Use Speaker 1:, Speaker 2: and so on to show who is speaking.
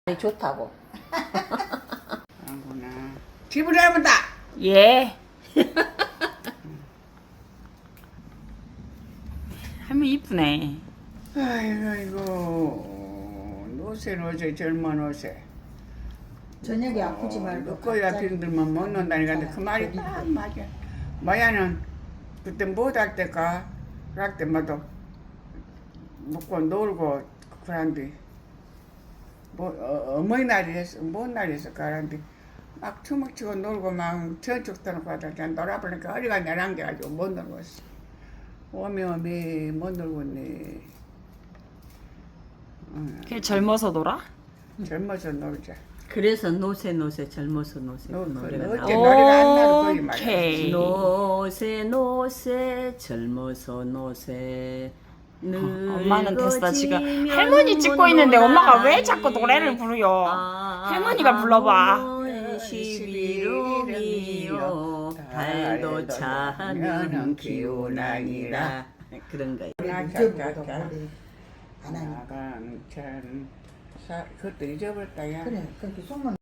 Speaker 1: 좋다고.
Speaker 2: 아구나. 집을 해본다.
Speaker 1: 예. 할머니 이쁘네.
Speaker 2: 아이고 노세 젊은 노세.
Speaker 3: 저녁에 아프지 말고
Speaker 2: 누꺼야
Speaker 3: 갑자기
Speaker 2: 병들면 못 논다니까 그 말이 딱 맞아. 마야는 그때 못할 때가 그럴 때마다 먹고 놀고 그런데 뭐 어머니날이랬어 뭔 날이었어 그런데 막 춤을 추고 놀고 막 저쪽 떠놓고 하다 그냥 놀아보니까 허리가 내랑겨가지고 못 놀고 있어. 오메 못 놀고 있네.
Speaker 1: 그냥 젊어서 놀아?
Speaker 2: 젊어서 놀자.
Speaker 4: 그래서 노세 젊어서 노세
Speaker 2: 너
Speaker 4: 노래가
Speaker 2: 어째
Speaker 4: 나와.
Speaker 2: 노래가 안 나도 거기 말이야.
Speaker 1: 오케이.
Speaker 4: 노세 젊어서 노세
Speaker 1: 엄마는 됐어 지금 할머니 찍고 있는데 엄마가 왜 자꾸 노래를 부르요? 할머니가 불러봐.
Speaker 4: 11월이요 달도 차면 기운아니라 그런 거예요.
Speaker 3: 잊어버려도 머리 안 하니까.
Speaker 2: 나강천 그것도 잊어버렸다 야.
Speaker 3: 그래 그렇게 속만